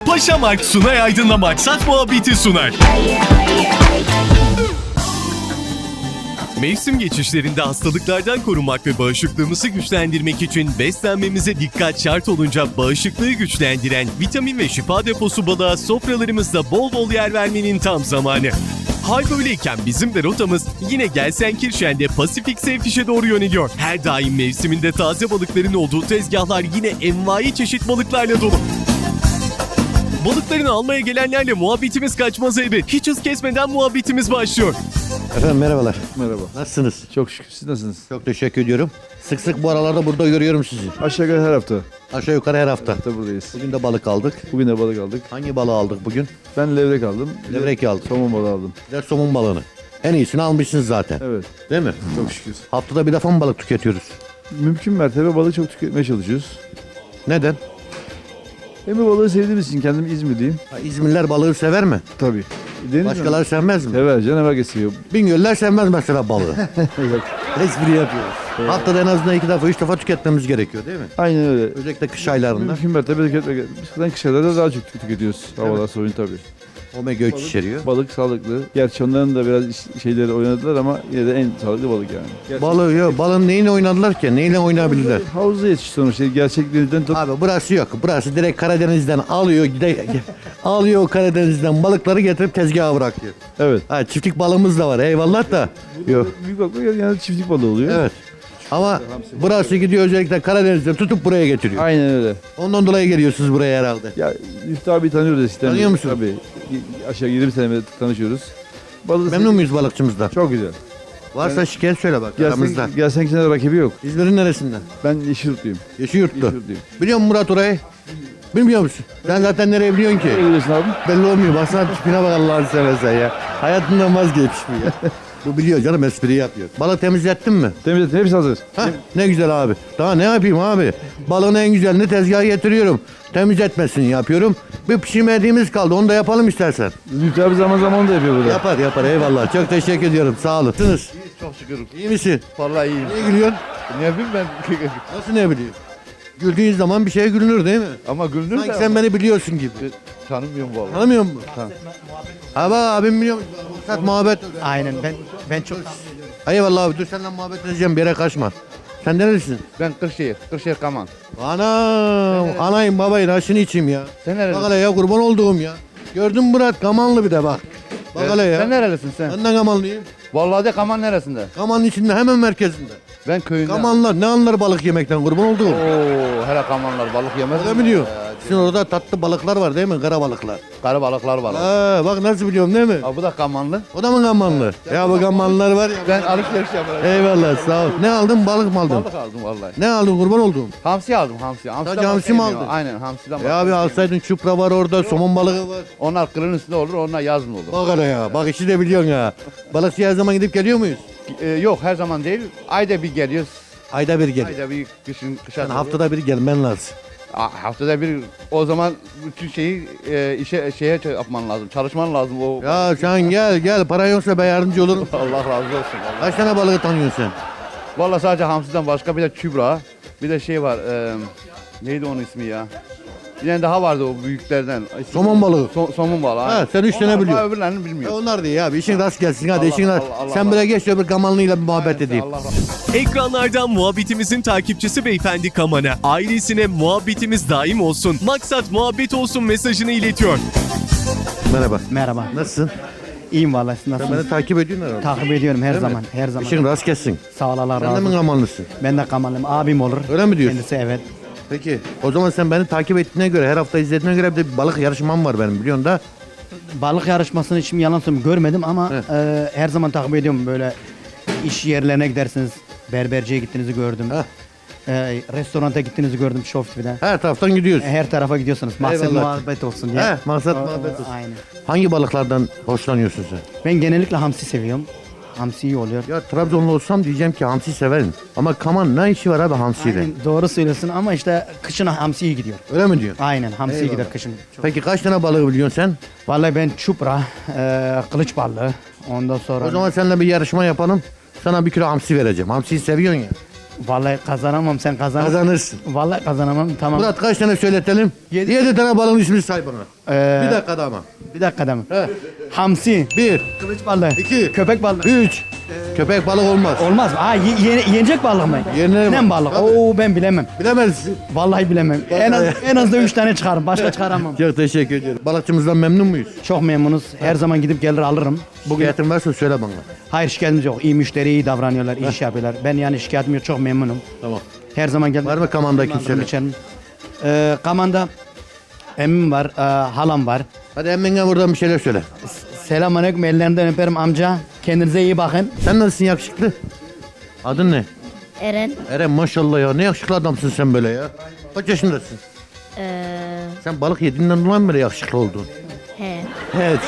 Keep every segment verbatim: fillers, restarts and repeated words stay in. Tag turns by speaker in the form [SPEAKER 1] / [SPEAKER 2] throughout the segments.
[SPEAKER 1] Paşamark Sunay Aydın'la Maksat Muhabbeti sunar. Mevsim geçişlerinde hastalıklardan korunmak ve bağışıklığımızı güçlendirmek için beslenmemize dikkat şart olunca bağışıklığı güçlendiren vitamin ve şifa deposu balığa sofralarımızda bol bol yer vermenin tam zamanı. Hal böyleyken bizim de rotamız yine Gelsenkirchen'de Pasifik Seyfiş'e doğru yöneliyor. Her daim mevsiminde taze balıkların olduğu tezgahlar yine envai çeşit balıklarla dolu. Balıklarını almaya gelenlerle muhabbetimiz kaçmaz elbet. Hiç hız kesmeden muhabbetimiz başlıyor.
[SPEAKER 2] Efendim merhabalar.
[SPEAKER 3] Merhaba.
[SPEAKER 2] Nasılsınız?
[SPEAKER 3] Çok şükür. Siz nasılsınız?
[SPEAKER 2] Çok teşekkür ediyorum. Sık sık bu aralarda burada görüyorum sizi.
[SPEAKER 3] Aşağı yukarı her hafta.
[SPEAKER 2] Aşağı yukarı her hafta.
[SPEAKER 3] Hafta buradayız.
[SPEAKER 2] Bugün de balık aldık.
[SPEAKER 3] Bugün de balık aldık.
[SPEAKER 2] Hangi balığı aldık bugün?
[SPEAKER 3] Ben levrek aldım. Bir de
[SPEAKER 2] Levrek aldık.
[SPEAKER 3] Somon balığı aldım.
[SPEAKER 2] Bir de somun balığını. En iyisini almışsınız zaten.
[SPEAKER 3] Evet.
[SPEAKER 2] Değil mi?
[SPEAKER 3] Çok şükür.
[SPEAKER 2] Haftada bir defa mı balık tüketiyoruz?
[SPEAKER 3] Mümkün mertebe balığı çok tüketmeye çalışıyoruz.
[SPEAKER 2] Neden?
[SPEAKER 3] Hem de balığı sevdiğimiz için kendim İzmirliyim.
[SPEAKER 2] Ha, İzmirliler balığı sever mi?
[SPEAKER 3] Tabii. Deniz
[SPEAKER 2] Başkaları sevmez mi?
[SPEAKER 3] sever. Canavar kesiyor.
[SPEAKER 2] Bingöller sevmez mesela balığı.
[SPEAKER 3] Evet.
[SPEAKER 2] Espri yapıyoruz. Haftada en azından iki defa, üç defa tüketmemiz gerekiyor değil mi?
[SPEAKER 3] Aynen öyle.
[SPEAKER 2] Özellikle kış aylarında.
[SPEAKER 3] Mümkün mertebe tüketmek. Biz kış aylarında daha çok tüketiyoruz. Havalar soğuyun tabii.
[SPEAKER 2] Omega üç içeriyor.
[SPEAKER 3] Balık sağlıklı. Gerçi onların da biraz iş- şeyleri oynadılar ama yine de en sağlıklı balık yani. Gerçek-
[SPEAKER 2] Balığı yok. Balığın neyini oynadılar ki? Neyle oynayabilirler?
[SPEAKER 3] Havuzda yetişti sonuçta. Gerçek denizden tut.
[SPEAKER 2] Abi burası yok. Burası direkt Karadeniz'den alıyor, gide, alıyor Karadeniz'den balıkları getirip tezgaha bırakıyor.
[SPEAKER 3] Evet.
[SPEAKER 2] Ha, çiftlik balığımız da var. Eyvallah da. Yok.
[SPEAKER 3] Büyük balık yani çiftlik balığı oluyor.
[SPEAKER 2] Evet. Ama burası gidiyor özellikle Karadeniz'den tutup buraya getiriyor.
[SPEAKER 3] Aynen öyle.
[SPEAKER 2] Ondan dolayı geliyorsunuz buraya herhalde.
[SPEAKER 3] Ya Müftü abi tanıyoruz eskiden.
[SPEAKER 2] Tanıyor musun?
[SPEAKER 3] Tabii. Aşağı yirmi senedir tanışıyoruz. Balığı
[SPEAKER 2] Memnun muyuz balıkçımızdan?
[SPEAKER 3] Çok güzel.
[SPEAKER 2] Varsa şikayet söyle bak aramızda.
[SPEAKER 3] Gelsen, gelsen ki rakibi yok.
[SPEAKER 2] İzmir'in neresinden?
[SPEAKER 3] Ben Yeşilyurtluyum.
[SPEAKER 2] Yeşilyurtlu.
[SPEAKER 3] Yeşilyurtluyum.
[SPEAKER 2] Biliyor musun Murat orayı? Bilmiyor musun? Sen zaten nereye biliyorsun ki?
[SPEAKER 3] Ne biliyorsun abi?
[SPEAKER 2] Belli olmuyor. Baksana tipine bak Allah'ını seversen ya. Hayatından vazgeçmiş bu ya. Bu biliyor canım, espri yapıyor. Balık temizlettin mi?
[SPEAKER 3] Temizletin hepsi hazır.
[SPEAKER 2] Hah, ne güzel abi. Daha ne yapayım abi? Balığın en güzelini tezgaha getiriyorum. Temizletmesini yapıyorum. Bir pişirmediğimiz kaldı. Onu da yapalım istersen.
[SPEAKER 3] Müftü abi zaman zaman da yapıyor burada.
[SPEAKER 2] Yapar yapar eyvallah. Çok teşekkür ediyorum. Sağ olun. Nasılsınız?
[SPEAKER 4] Çok şükür.
[SPEAKER 2] İyi misin?
[SPEAKER 4] Vallahi iyiyim.
[SPEAKER 2] Niye gülüyorsun?
[SPEAKER 4] Ne bileyim ben.
[SPEAKER 2] Nasıl ne biliyorsun? Güldüğün zaman bir şeye gülünür değil mi?
[SPEAKER 4] Ama gülünür
[SPEAKER 2] Sanki
[SPEAKER 4] de
[SPEAKER 2] sen beni biliyorsun gibi.
[SPEAKER 4] tanımıyorum vallahi.
[SPEAKER 2] Tanımıyor musun? Ha bak abim biliyor musun? Maksat muhabbet.
[SPEAKER 5] Aynen ben ben çok
[SPEAKER 2] Eyvallah abi, dur seninle muhabbet edeceğim, bir yere kaçma. Sen nerelisin?
[SPEAKER 4] Ben Kırşehir. Kırşehir Kaman.
[SPEAKER 2] Anam, anayım babayım, aşını içeyim ya.
[SPEAKER 4] Sen nerelisin?
[SPEAKER 2] Bak hele ya, kurban olduğum ya. Gördün mü Murat, Kamanlı bir de bak. Bak hele ya.
[SPEAKER 4] Sen nerelisin sen?
[SPEAKER 2] Ben de Kamanlıyım.
[SPEAKER 4] Vallahi de Kaman neresinde?
[SPEAKER 2] Kamanın içinde, hemen merkezinde.
[SPEAKER 4] Ben köyünden.
[SPEAKER 2] Kamanlar ne anlar balık yemekten, kurban olduğum.
[SPEAKER 4] Oo, hele Kamanlar balık yemez.
[SPEAKER 2] Öyle mi diyor? Sizin orada tatlı balıklar var değil mi? Kara balıklar.
[SPEAKER 4] Karı balıklar var.
[SPEAKER 2] Ha, bak nasıl biliyorum değil mi?
[SPEAKER 4] Aa, bu da Kamanlı.
[SPEAKER 2] O da mı Kamanlı? Ya bu Kamanlılar var ya.
[SPEAKER 4] Ben alışveriş yaparım.
[SPEAKER 2] Eyvallah sağ ol. Ne aldın, balık mı aldın?
[SPEAKER 4] Balık aldım vallahi.
[SPEAKER 2] Ne aldın, kurban olduğum?
[SPEAKER 4] Hamsi aldım hamsi. Hamsiden
[SPEAKER 2] Sadece hamsi
[SPEAKER 4] başka
[SPEAKER 2] mi
[SPEAKER 4] yemiyor.
[SPEAKER 2] aldın?
[SPEAKER 4] Aynen hamsiden
[SPEAKER 2] Ya
[SPEAKER 4] başka
[SPEAKER 2] abi
[SPEAKER 4] yemiyor.
[SPEAKER 2] alsaydın, çupra var orada, somon balığı var.
[SPEAKER 4] Onlar kırın üstünde olur, onlar yazın olur.
[SPEAKER 2] Bak hele ya, bak işi de biliyorsun ya. Balıkçıya her zaman gidip geliyor muyuz?
[SPEAKER 4] Ee, yok her zaman değil. Ayda bir geliyoruz.
[SPEAKER 2] Ayda bir gel.
[SPEAKER 4] Ayda bir kışın kışa.
[SPEAKER 2] Yani
[SPEAKER 4] doğru.
[SPEAKER 2] haftada bir gelmen lazım.
[SPEAKER 4] Aa, haftada bir o zaman bütün şeyi e, işe şeye ç- yapman lazım. Çalışman lazım o.
[SPEAKER 2] Ya sen gel gel, para yoksa ben yardımcı olurum.
[SPEAKER 4] Allah razı olsun. Vallahi.
[SPEAKER 2] Kaç tane balığı tanıyorsun sen?
[SPEAKER 4] Vallahi sadece hamsiden başka bir de çubra, bir de şey var. E, neydi onun ismi ya? Bir tane daha vardı o büyüklerden. İsmi-
[SPEAKER 2] Somon balığı.
[SPEAKER 4] So- somun balığı.
[SPEAKER 2] Ha,
[SPEAKER 4] aynen.
[SPEAKER 2] sen üç tane
[SPEAKER 4] Onlar
[SPEAKER 2] biliyorsun.
[SPEAKER 4] var, öbürlerini
[SPEAKER 2] Ya
[SPEAKER 4] bilmiyorum.
[SPEAKER 2] onlar değil abi, işin rast gelsin hadi,
[SPEAKER 4] Allah-
[SPEAKER 2] işin rast.
[SPEAKER 4] Allah- Allah-
[SPEAKER 2] Sen
[SPEAKER 4] Allah.
[SPEAKER 2] buraya geç, öbür Kamanlı'yla bir muhabbet edeyim.
[SPEAKER 4] Allah razı
[SPEAKER 1] Ekranlardan muhabbetimizin takipçisi beyefendi Kaman'a ailesine muhabbetimiz daim olsun, maksat muhabbet olsun mesajını iletiyor.
[SPEAKER 2] Merhaba.
[SPEAKER 5] merhaba.
[SPEAKER 2] Nasılsın?
[SPEAKER 5] İyiyim vallahi siz
[SPEAKER 2] Sen
[SPEAKER 5] nasılsınız?
[SPEAKER 2] beni takip ediyorsun herhalde.
[SPEAKER 5] Takip ediyorum her
[SPEAKER 2] Değil mi?
[SPEAKER 5] zaman. Her zaman.
[SPEAKER 2] İşin rast gelsin.
[SPEAKER 5] Sağ ol Allah
[SPEAKER 2] Sen de
[SPEAKER 5] razı
[SPEAKER 2] mi
[SPEAKER 5] olsun.
[SPEAKER 2] Kamanlısın?
[SPEAKER 5] Ben de Kamanlıyım. Abim olur.
[SPEAKER 2] Öyle mi diyorsun?
[SPEAKER 5] Kendisi evet.
[SPEAKER 2] Peki o zaman sen beni takip ettiğine göre, her hafta izlediğine göre bir de bir balık yarışmam var benim, biliyorsun da.
[SPEAKER 5] Balık yarışmasını hiç mi yalan söyleyeyim görmedim ama
[SPEAKER 2] Heh.
[SPEAKER 5] e, her zaman takip ediyorum böyle iş yerlerine gidersiniz. Berberciye gittiğinizi gördüm.
[SPEAKER 2] Heh.
[SPEAKER 5] E, restoranta gittiğinizi gördüm Show T V'de.
[SPEAKER 2] Her taraftan gidiyoruz.
[SPEAKER 5] Her tarafa gidiyorsunuz. Maksat
[SPEAKER 2] Eyvallah.
[SPEAKER 5] muhabbet olsun diye.
[SPEAKER 2] He, maksat
[SPEAKER 5] O- o-
[SPEAKER 2] muhabbet olsun.
[SPEAKER 5] Aynen.
[SPEAKER 2] Hangi balıklardan hoşlanıyorsun sen?
[SPEAKER 5] Ben genellikle hamsi seviyorum. Hamsi iyi oluyor.
[SPEAKER 2] Ya Trabzonlu olsam diyeceğim ki hamsi severim. Ama Kaman ne işi var abi hamsiyle?
[SPEAKER 5] Aynen, doğru söylüyorsun ama işte kışın hamsi iyi gidiyor.
[SPEAKER 2] Öyle mi diyorsun?
[SPEAKER 5] Aynen hamsi iyi
[SPEAKER 2] Eyvallah.
[SPEAKER 5] gider kışın. Çok.
[SPEAKER 2] Peki kaç tane balığı biliyorsun sen?
[SPEAKER 5] Vallahi ben çupra, e, kılıç balığı, ondan sonra
[SPEAKER 2] O zaman seninle bir yarışma yapalım. Sana bir kilo hamsi vereceğim. Hamsiyi seviyorsun ya.
[SPEAKER 5] Vallahi kazanamam, sen kazan.
[SPEAKER 2] Kazanırsın.
[SPEAKER 5] Vallahi kazanamam, tamam.
[SPEAKER 2] Murat kaç tane söyletelim?
[SPEAKER 5] Yedi.
[SPEAKER 2] Yedi tane balığın ismini say bana.
[SPEAKER 5] Ee,
[SPEAKER 2] Bir dakikada ama.
[SPEAKER 5] Bir dakika da mı?
[SPEAKER 2] He.
[SPEAKER 5] Hamsi,
[SPEAKER 2] Bir,
[SPEAKER 5] kılıç balığı,
[SPEAKER 2] İki.
[SPEAKER 5] köpek balığı.
[SPEAKER 2] üç. Köpek balık olmaz.
[SPEAKER 5] Olmaz mı? Ha, ye- ye- yenecek balık mı?
[SPEAKER 2] Yenene-
[SPEAKER 5] Yenen balık.
[SPEAKER 2] Tabii.
[SPEAKER 5] Oo, ben bilemem.
[SPEAKER 2] Bilemezsin.
[SPEAKER 5] Vallahi bilemem. En az en az da üç tane çıkarım. Başka çıkaramam.
[SPEAKER 2] Çok teşekkür ediyorum. Balıkçımızdan memnun muyuz?
[SPEAKER 5] Çok memnunuz. Her zaman gidip gelir alırım.
[SPEAKER 2] Bugün şikayetin varsa söyle bana.
[SPEAKER 5] Hayır, şikayetimiz yok. İyi müşteri, iyi davranıyorlar, iyi iş yapıyorlar. Ben yani şikayetim yok. Çok memnunum.
[SPEAKER 2] Tamam.
[SPEAKER 5] Her zaman geldim.
[SPEAKER 2] Var mı Kaman'da kimseler?
[SPEAKER 5] içerim. Ee, Kaman'da emmim var, e, halam var.
[SPEAKER 2] Hadi emmine buradan bir şeyler söyle.
[SPEAKER 5] Selamünaleyküm, ellerinden öperim amca. Kendinize iyi bakın.
[SPEAKER 2] Sen nasılsın yakışıklı? Adın ne?
[SPEAKER 6] Eren.
[SPEAKER 2] Eren maşallah ya. Ne yakışıklı adamsın sen böyle ya. Kaç yaşındasın?
[SPEAKER 6] Ee,
[SPEAKER 2] Sen balık yediğinden dolayı mı böyle yakışıklı oldun?
[SPEAKER 6] he.
[SPEAKER 2] Evet.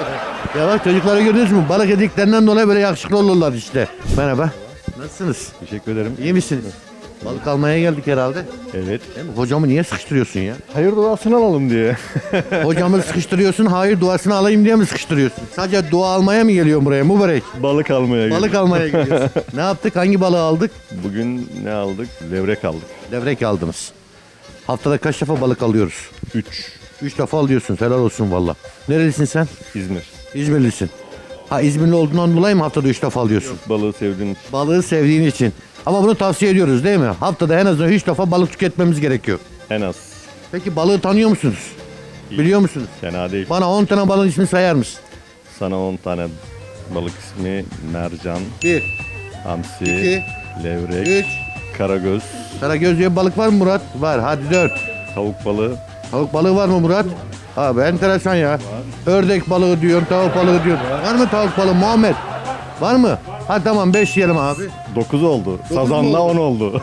[SPEAKER 2] Ya bak çocukları gördünüz mü? Balık yediklerinden dolayı böyle yakışıklı olurlar işte. Merhaba. Nasılsınız?
[SPEAKER 7] Teşekkür ederim.
[SPEAKER 2] İyi misiniz? Balık almaya geldik herhalde.
[SPEAKER 7] Evet.
[SPEAKER 2] Değil mi? Hocamı niye sıkıştırıyorsun ya?
[SPEAKER 7] Hayır duasını alalım diye.
[SPEAKER 2] Hocamı sıkıştırıyorsun, hayır duasını alayım diye mi sıkıştırıyorsun? Sadece dua almaya mı geliyorsun buraya mübarek?
[SPEAKER 7] Balık almaya
[SPEAKER 2] Balık
[SPEAKER 7] geldik.
[SPEAKER 2] almaya geliyorsun. Ne yaptık? Hangi balığı aldık?
[SPEAKER 7] Bugün ne aldık? Levrek aldık.
[SPEAKER 2] Levrek aldınız. Haftada kaç defa balık alıyoruz?
[SPEAKER 7] Üç.
[SPEAKER 2] Üç defa alıyorsun. Helal olsun valla. Nerelisin sen?
[SPEAKER 7] İzmir.
[SPEAKER 2] İzmirlisin. Ha İzmirli olduğundan dolayı mı haftada üç defa alıyorsun?
[SPEAKER 7] Balığı sevdiğin için.
[SPEAKER 2] Balığı sevdiğin için. Ama bunu tavsiye ediyoruz değil mi? Haftada en azından üç defa balık tüketmemiz gerekiyor.
[SPEAKER 7] En az.
[SPEAKER 2] Peki balığı tanıyor musunuz? Biliyor musunuz?
[SPEAKER 7] Fena değil.
[SPEAKER 2] Bana on tane balığın ismini sayar mısın?
[SPEAKER 7] Sana on tane balık ismi: mercan,
[SPEAKER 2] Bir,
[SPEAKER 7] hamsi,
[SPEAKER 2] İki.
[SPEAKER 7] levrek,
[SPEAKER 2] üç.
[SPEAKER 7] karagöz,
[SPEAKER 2] Karagöz diye bir balık var mı Murat? Var. Hadi dört.
[SPEAKER 7] tavuk balığı,
[SPEAKER 2] Tavuk balığı var mı Murat? Abi enteresan ya. Ördek balığı diyorsun, tavuk balığı diyorsun. Var mı tavuk balığı Muhammed? Var mı? Hadi tamam beş yiyelim abi.
[SPEAKER 7] dokuz oldu.
[SPEAKER 2] mu
[SPEAKER 7] Sazanla
[SPEAKER 2] oldu?
[SPEAKER 7] on oldu.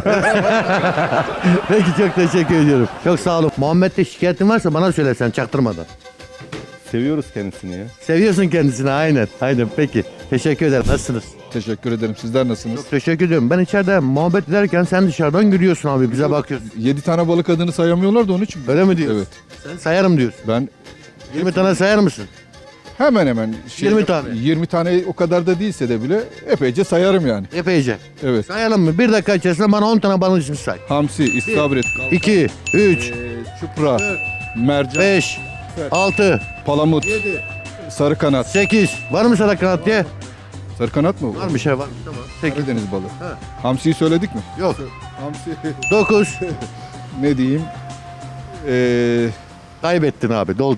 [SPEAKER 2] Peki çok teşekkür ediyorum. Çok sağ olun. Muhammed'de şikayetin varsa bana söylesen çaktırmadan.
[SPEAKER 7] Seviyoruz kendisini ya.
[SPEAKER 2] Seviyorsun kendisini aynen. Aynen peki. Teşekkür ederim. Nasılsınız?
[SPEAKER 8] Teşekkür ederim. Sizler nasılsınız?
[SPEAKER 2] Çok teşekkür ediyorum. Ben içeride muhabbet ederken sen dışarıdan gülüyorsun abi. Bize bakıyorsun.
[SPEAKER 8] Yedi tane balık adını sayamıyorlar da onun için.
[SPEAKER 2] Öyle mi diyorsun?
[SPEAKER 8] Evet.
[SPEAKER 2] Sen sayarım diyorsun.
[SPEAKER 8] Ben
[SPEAKER 2] yirmi tane sayar mısın?
[SPEAKER 8] hemen hemen şey,
[SPEAKER 2] yirmi tane.
[SPEAKER 8] yirmi tane o kadar da değilse de bile epeyce sayarım yani.
[SPEAKER 2] Epeyce.
[SPEAKER 8] Evet.
[SPEAKER 2] Sayalım mı? Bir dakika içerisinde bana on tane balın ismi say.
[SPEAKER 8] Hamsi, istavrit,
[SPEAKER 2] iki, üç,
[SPEAKER 8] e, çupra, mercan,
[SPEAKER 2] beş, altı,
[SPEAKER 8] palamut, sarı kanat.
[SPEAKER 2] sekiz. Var mı sana kanat diye?
[SPEAKER 8] Sarı kanat mı?
[SPEAKER 2] Var bir şey var. Tamam. sekiz.
[SPEAKER 8] Karadeniz balığı. Hamsiyi söyledik mi?
[SPEAKER 2] Yok.
[SPEAKER 8] Hamsi
[SPEAKER 2] dokuz.
[SPEAKER 8] ne diyeyim? Ee,
[SPEAKER 2] Kaybettin abi. Doldu.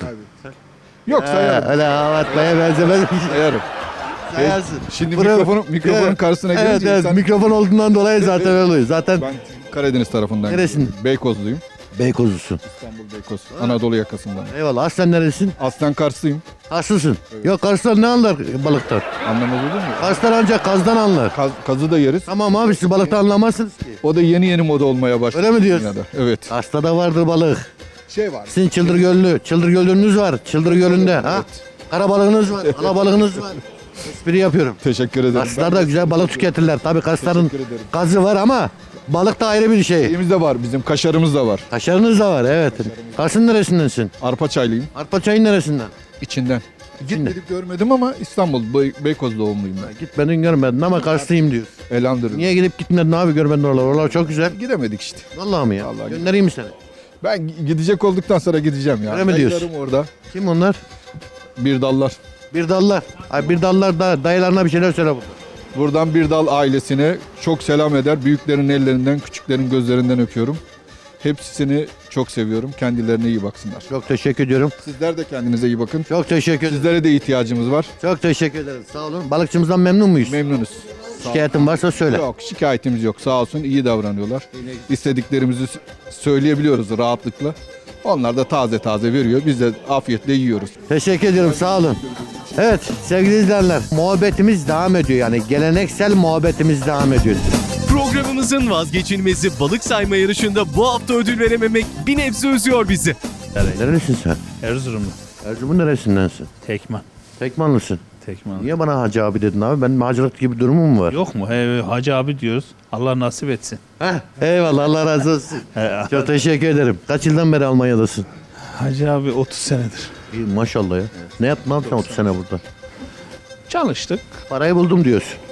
[SPEAKER 8] yok sayarım.
[SPEAKER 2] Öyle hava atmaya benzemez.
[SPEAKER 8] Sayarım.
[SPEAKER 2] Sayarsın.
[SPEAKER 8] Şimdi
[SPEAKER 2] Buraya-
[SPEAKER 8] mikrofonu, mikrofonun
[SPEAKER 2] Evet.
[SPEAKER 8] karşısına
[SPEAKER 2] Evet,
[SPEAKER 8] gelince
[SPEAKER 2] evet.
[SPEAKER 8] insan-
[SPEAKER 2] Mikrofon olduğundan dolayı zaten öyle oluyor. Zaten
[SPEAKER 8] ben Karadeniz tarafından.
[SPEAKER 2] Neresin?
[SPEAKER 8] Beykozluyum.
[SPEAKER 2] Beykozlusun.
[SPEAKER 8] İstanbul Beykoz. Anadolu yakasından.
[SPEAKER 2] Eyvallah. Aslen neresin?
[SPEAKER 8] Aslen Karslıyım.
[SPEAKER 2] Karslısın. Yok Karslar ne anlar balıktan?
[SPEAKER 8] Anlamaz olur mu?
[SPEAKER 2] Karslar ancak kazdan anlar.
[SPEAKER 8] Kaz- kazı da yeriz.
[SPEAKER 2] Tamam abi siz balıktan anlamazsınız ki.
[SPEAKER 8] O da yeni yeni moda olmaya başladı.
[SPEAKER 2] Öyle mi diyorsun?
[SPEAKER 8] dünyada. Evet.
[SPEAKER 2] Kars'ta da vardır balık.
[SPEAKER 8] Şey var.
[SPEAKER 2] Sizin Çıldır Gölü, Çıldır Gölü'nüz var. Çıldır Gölü'nde. Ha? Kara balığınız var, ala balığınız var. Espri yapıyorum.
[SPEAKER 8] Teşekkür ederim.
[SPEAKER 2] Karslar da güzel balık tüketirler. Tabii Karsların
[SPEAKER 8] Teşekkür ederim.
[SPEAKER 2] gazı var ama balık da ayrı bir şey.
[SPEAKER 8] Şeyimiz de var. Bizim kaşarımız da var.
[SPEAKER 2] Kaşarınız da var evet. Kars'ın neresindensin?
[SPEAKER 8] Arpa çaylıyım.
[SPEAKER 2] Arpa çayın neresinden?
[SPEAKER 8] İçinden.
[SPEAKER 2] İçinden.
[SPEAKER 8] Gitmedik görmedim ama İstanbul, Bey- Beykoz doğumluyum ben.
[SPEAKER 2] Gitmedin görmedin ama Karslıyım diyor.
[SPEAKER 8] Elhamdülillah.
[SPEAKER 2] Niye gidip gitmedin abi görmedin oralar? Oralar çok güzel.
[SPEAKER 8] Gidemedik işte.
[SPEAKER 2] Vallahi mi ya?
[SPEAKER 8] Vallahi
[SPEAKER 2] Göndereyim mi seni?
[SPEAKER 8] Ben gidecek olduktan sonra gideceğim ya.
[SPEAKER 2] Öyle mi diyorsun?
[SPEAKER 8] Dayılarım orada.
[SPEAKER 2] Kim onlar?
[SPEAKER 8] Bir dallar.
[SPEAKER 2] Bir dallar. Ay bir dallar da dayılarına bir şeyler söyle burada.
[SPEAKER 8] Buradan bir dal ailesine çok selam eder. Büyüklerin ellerinden, küçüklerin gözlerinden öpüyorum. Hepsini çok seviyorum. Kendilerine iyi baksınlar.
[SPEAKER 2] Çok teşekkür ediyorum.
[SPEAKER 8] Sizler de kendinize iyi bakın.
[SPEAKER 2] Çok teşekkür ederim.
[SPEAKER 8] Sizlere de ihtiyacımız var.
[SPEAKER 2] Çok teşekkür ederim. Sağ olun. Balıkçımızdan memnun muyuz?
[SPEAKER 8] Memnunuz.
[SPEAKER 2] Şikayetin varsa söyle.
[SPEAKER 8] Yok, şikayetimiz yok. Sağ olsun, iyi davranıyorlar. İstediklerimizi s- söyleyebiliyoruz rahatlıkla. Onlar da taze taze veriyor. Biz de afiyetle yiyoruz.
[SPEAKER 2] Teşekkür ediyorum. Sağ olun. Evet sevgili izleyenler muhabbetimiz devam ediyor. Yani geleneksel muhabbetimiz devam ediyor.
[SPEAKER 1] Programımızın vazgeçilmezi balık sayma yarışında bu hafta ödül verememek bir nebze üzüyor bizi.
[SPEAKER 2] Nerelisin sen?
[SPEAKER 9] Erzurumlu.
[SPEAKER 2] Erzurum'un neresindensin?
[SPEAKER 9] Tekman.
[SPEAKER 2] Tekmanlısın.
[SPEAKER 9] Tekman.
[SPEAKER 2] Niye bana hacı abi dedin abi? Benim hacılık gibi durumum mu var?
[SPEAKER 9] Yok mu? He, Hacı abi diyoruz. Allah nasip etsin.
[SPEAKER 2] Heh, eyvallah Allah razı olsun.
[SPEAKER 9] He,
[SPEAKER 2] Çok teşekkür ederim. Kaç yıldan beri Almanya'dasın?
[SPEAKER 9] Hacı abi otuz senedir.
[SPEAKER 2] İyi, maşallah ya. Ne yaptın abi sen otuz sene burada?
[SPEAKER 9] Çalıştık.
[SPEAKER 2] Parayı buldum diyorsun.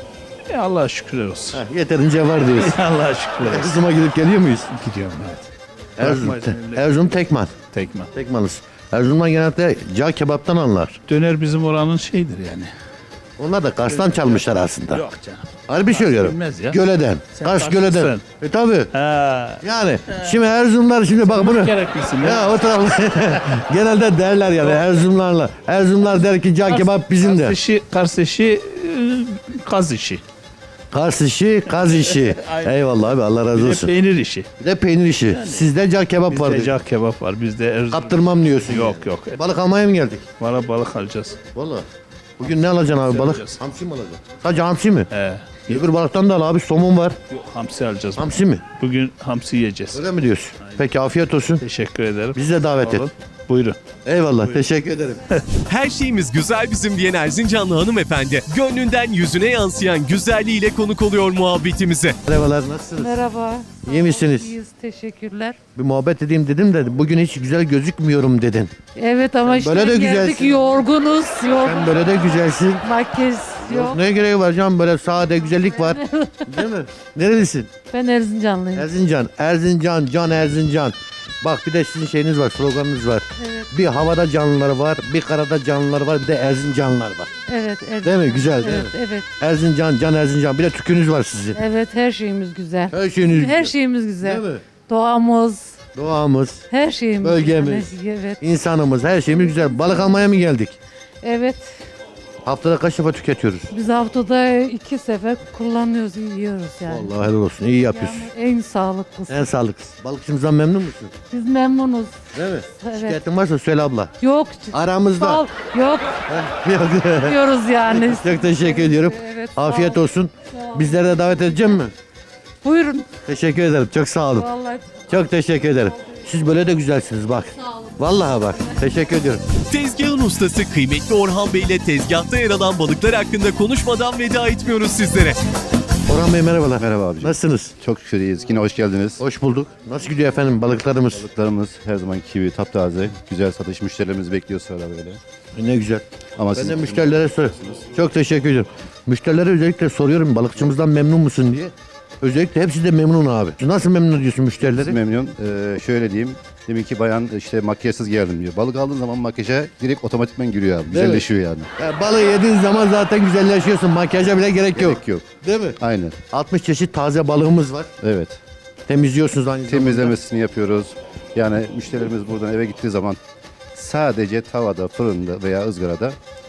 [SPEAKER 9] E, Allah'a şükürler olsun.
[SPEAKER 2] Heh, yeterince var diyorsun.
[SPEAKER 9] Allah'a şükürler olsun.
[SPEAKER 2] Erzurum'a gidip geliyor muyuz?
[SPEAKER 9] Gidiyorum evet.
[SPEAKER 2] Erzurum,
[SPEAKER 9] Bırakmayız memleketi.
[SPEAKER 2] Erzurum Tekman.
[SPEAKER 9] Tekman.
[SPEAKER 2] Tekmanız. Erzurum'dan genelde cağ kebaptan anlar.
[SPEAKER 9] Döner bizim oranın şeyidir yani.
[SPEAKER 2] Onlar da Kars'tan çalmışlar aslında.
[SPEAKER 9] Yok canım.
[SPEAKER 2] Harbi söylüyorum.
[SPEAKER 9] bilmez ya.
[SPEAKER 2] Göleden.
[SPEAKER 9] Sen
[SPEAKER 2] Kars
[SPEAKER 9] Karslısın.
[SPEAKER 2] Göleden. E tabi.
[SPEAKER 9] Ha.
[SPEAKER 2] Yani şimdi Erzurumlar şimdi bak bunu.
[SPEAKER 9] Gereklisin ya.
[SPEAKER 2] Ya o taraf genelde derler yani Erzurumlarla. Erzurumlar der ki cağ kebap bizim
[SPEAKER 9] Kars
[SPEAKER 2] de.
[SPEAKER 9] işi, Kars işi, e, kaz işi.
[SPEAKER 2] Kars işi, kaz işi.
[SPEAKER 9] Aynen.
[SPEAKER 2] Eyvallah abi Allah razı
[SPEAKER 9] Bir de
[SPEAKER 2] olsun.
[SPEAKER 9] peynir işi.
[SPEAKER 2] Bir de peynir işi. Sizde cağ kebap var.
[SPEAKER 9] Bizde
[SPEAKER 2] diyor.
[SPEAKER 9] cağ kebap var. Bizde Erzurum.
[SPEAKER 2] Kaptırmam diyorsun.
[SPEAKER 9] Yok
[SPEAKER 2] yani.
[SPEAKER 9] yok.
[SPEAKER 2] Balık almaya mı geldik?
[SPEAKER 9] Valla balık alacağız.
[SPEAKER 2] Vallahi. Bugün ne alacaksın abi balık?
[SPEAKER 9] alacağız.
[SPEAKER 2] Hamsi mi alacaksın? Sadece hamsi mi?
[SPEAKER 9] He.
[SPEAKER 2] Öbür balıktan da al abi somon var.
[SPEAKER 9] Yok, hamsi alacağız.
[SPEAKER 2] Hamsi mi?
[SPEAKER 9] Bugün hamsi yiyeceğiz.
[SPEAKER 2] Öyle mi diyorsun? Peki afiyet olsun.
[SPEAKER 9] Teşekkür ederim.
[SPEAKER 2] Bizi de davet et.
[SPEAKER 9] Olun. Buyurun.
[SPEAKER 2] Eyvallah teşekkür ederim.
[SPEAKER 1] Her şeyimiz güzel bizim diyen Erzincanlı hanımefendi, gönlünden yüzüne yansıyan güzelliğiyle konuk oluyor muhabbetimize.
[SPEAKER 2] Merhabalar nasılsınız?
[SPEAKER 10] Merhaba.
[SPEAKER 2] İyi misiniz?
[SPEAKER 10] İyiyiz, teşekkürler.
[SPEAKER 2] Bir muhabbet edeyim dedim de bugün hiç güzel gözükmüyorum dedin.
[SPEAKER 10] Evet ama işte
[SPEAKER 2] böyle de
[SPEAKER 10] geldik
[SPEAKER 2] güzelsin.
[SPEAKER 10] yorgunuz. Yorgun.
[SPEAKER 2] Sen böyle de güzelsin.
[SPEAKER 10] Makyaj yok.
[SPEAKER 2] Yok. Neye gereği var canım böyle sade güzellik var. Değil mi? Nerelisin?
[SPEAKER 10] Ben Erzincanlıyım.
[SPEAKER 2] Erzincan. Erzincan, can Erzincan. Bak bir de sizin şeyiniz var, sloganınız var.
[SPEAKER 10] Evet.
[SPEAKER 2] Bir havada canlılar var, bir karada canlılar var, bir de Erzincanlılar var.
[SPEAKER 10] Evet, Erzincan.
[SPEAKER 2] Değil mi? Güzel değil
[SPEAKER 10] Evet,
[SPEAKER 2] mi?
[SPEAKER 10] evet.
[SPEAKER 2] Erzincan, can Erzincan. Bir de tükünüz var sizin.
[SPEAKER 10] Evet, her şeyimiz güzel.
[SPEAKER 2] Her şeyiniz
[SPEAKER 10] Her
[SPEAKER 2] güzel.
[SPEAKER 10] şeyimiz güzel.
[SPEAKER 2] Değil mi?
[SPEAKER 10] Doğamız,
[SPEAKER 2] Doğamız,
[SPEAKER 10] her şeyimiz.
[SPEAKER 2] Bölgemiz.
[SPEAKER 10] güzel. Evet.
[SPEAKER 2] insanımız, her şeyimiz güzel. Balık almaya mı geldik?
[SPEAKER 10] Evet.
[SPEAKER 2] Haftada kaç defa tüketiyoruz?
[SPEAKER 10] Biz haftada iki sefer kullanıyoruz, yiyoruz yani.
[SPEAKER 2] Vallahi helal olsun. İyi yapıyorsun.
[SPEAKER 10] Yani en sağlıklısı.
[SPEAKER 2] En sağlıklısı. Balıkçımızdan memnun musun?
[SPEAKER 10] Biz memnunuz.
[SPEAKER 2] Değil mi?
[SPEAKER 10] Evet.
[SPEAKER 2] Şikayetin varsa söyle abla.
[SPEAKER 10] Yok.
[SPEAKER 2] Aramızda.
[SPEAKER 10] Sağ ol. Yok.
[SPEAKER 2] Yok.
[SPEAKER 10] Diyoruz yani.
[SPEAKER 2] Çok teşekkür ediyorum.
[SPEAKER 10] Evet, sağ
[SPEAKER 2] Afiyet
[SPEAKER 10] ol.
[SPEAKER 2] olsun.
[SPEAKER 10] Sağ ol.
[SPEAKER 2] Bizlere de davet edeceğim mi?
[SPEAKER 10] Buyurun.
[SPEAKER 2] Teşekkür ederim. Çok sağ olun.
[SPEAKER 10] Vallahi
[SPEAKER 2] Çok teşekkür ederim. Siz böyle de güzelsiniz bak. Vallahi bak. Teşekkür ediyorum.
[SPEAKER 1] Tezgahın ustası kıymetli Orhan Bey ile tezgahta yer alan balıklar hakkında konuşmadan veda etmiyoruz sizlere.
[SPEAKER 2] Orhan Bey merhabalar.
[SPEAKER 11] Merhaba abicim.
[SPEAKER 2] Nasılsınız?
[SPEAKER 11] Çok şükür iyiyiz. Yine hoş geldiniz.
[SPEAKER 2] Hoş bulduk. Nasıl gidiyor efendim balıklarımız?
[SPEAKER 11] Balıklarımız her zamanki gibi taptaze. Güzel satış. Müşterilerimiz bekliyor sırada böyle.
[SPEAKER 2] Ne güzel.
[SPEAKER 11] Ama
[SPEAKER 2] Ben
[SPEAKER 11] siz
[SPEAKER 2] de müşterilere soruyorum. Çok teşekkür ediyorum. Müşterilere özellikle soruyorum balıkçımızdan memnun musun diye. Özellikle hepsi de memnun abi. Nasıl memnun ediyorsun müşterileri?
[SPEAKER 11] memnun. Ee, şöyle diyeyim. Demin ki bayan işte makyajsız geldim diyor. Balık aldığın zaman makyaja direkt otomatikman giriyor abi. Güzelleşiyor yani.
[SPEAKER 2] Ya balığı yediğin zaman zaten güzelleşiyorsun. Makyaja bile gerek yok.
[SPEAKER 11] Gerek yok.
[SPEAKER 2] Değil mi?
[SPEAKER 11] Aynen.
[SPEAKER 2] altmış çeşit taze balığımız var.
[SPEAKER 11] Evet.
[SPEAKER 2] Temizliyorsunuz aynı zamanda.
[SPEAKER 11] Temizlemesini yapıyoruz. Yani müşterilerimiz buradan eve gittiği zaman sadece tavada, fırında veya ızgarada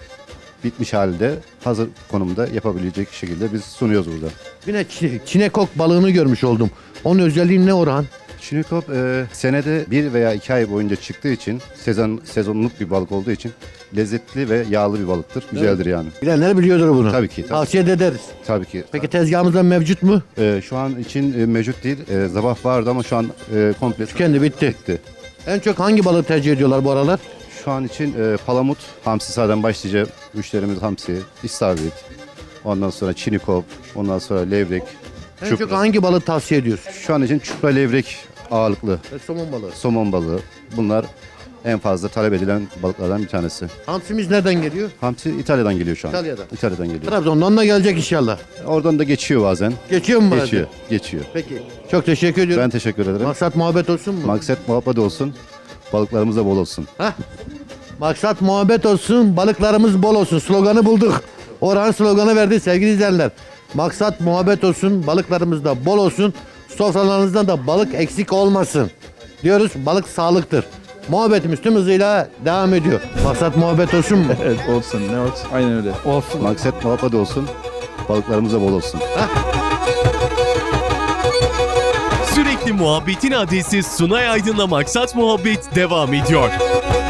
[SPEAKER 11] bitmiş halde hazır konumda yapabilecek şekilde biz sunuyoruz burada.
[SPEAKER 2] Bir de çi- çinekok balığını görmüş oldum. Onun özelliği ne Orhan?
[SPEAKER 11] Çinikop e, senede bir veya iki ay boyunca çıktığı için sezon sezonluk bir balık olduğu için lezzetli ve yağlı bir balıktır. Güzeldir yani.
[SPEAKER 2] Bilenler biliyordur bunu.
[SPEAKER 11] Tabii ki. Tabii,
[SPEAKER 2] Tavsiye de ederiz.
[SPEAKER 11] tabii ki.
[SPEAKER 2] Peki tezgahımızda mevcut mu?
[SPEAKER 11] E, şu an için e, mevcut değil. E, sabah vardı ama şu an e, komple
[SPEAKER 2] Kendi bitti.
[SPEAKER 11] bitti.
[SPEAKER 2] En çok hangi balığı tercih ediyorlar bu aralar?
[SPEAKER 11] Şu an için e, palamut, hamsi zaten başlıca müşterimiz hamsi, istavrit. Ondan sonra çinikop, ondan sonra levrek,
[SPEAKER 2] En
[SPEAKER 11] çupra.
[SPEAKER 2] çok hangi balığı tavsiye ediyorsun?
[SPEAKER 11] Şu an için çupra levrek ağırlıklı.
[SPEAKER 2] E, somon balığı.
[SPEAKER 11] Somon balığı. Bunlar en fazla talep edilen balıklardan bir tanesi.
[SPEAKER 2] Hamsimiz nereden geliyor?
[SPEAKER 11] Hamsi İtalya'dan geliyor şu an.
[SPEAKER 2] İtalya'dan.
[SPEAKER 11] İtalya'dan geliyor.
[SPEAKER 2] Trabzon'dan da gelecek inşallah.
[SPEAKER 11] Oradan da geçiyor bazen.
[SPEAKER 2] Geçiyor mu bazen?
[SPEAKER 11] Geçiyor. Geçiyor.
[SPEAKER 2] Peki. Çok teşekkür ediyorum.
[SPEAKER 11] Ben teşekkür ederim.
[SPEAKER 2] Maksat muhabbet olsun mu?
[SPEAKER 11] Maksat muhabbet olsun. Balıklarımız da bol olsun.
[SPEAKER 2] Hah. Maksat muhabbet olsun, balıklarımız bol olsun. Sloganı bulduk. Orhan sloganı verdi sevgili izleyenler. Maksat muhabbet olsun, balıklarımız da bol olsun. Sofralarınızda da balık eksik olmasın. Diyoruz balık sağlıktır. Muhabbetimiz tüm hızıyla devam ediyor. Maksat muhabbet olsun mu?
[SPEAKER 3] Evet olsun ne olsun. Aynen öyle.
[SPEAKER 2] Olsun.
[SPEAKER 11] Maksat muhabbet olsun. Balıklarımız da bol olsun.
[SPEAKER 1] Sürekli muhabbetin adresi Sunay Aydın'la Maksat Muhabbet devam ediyor.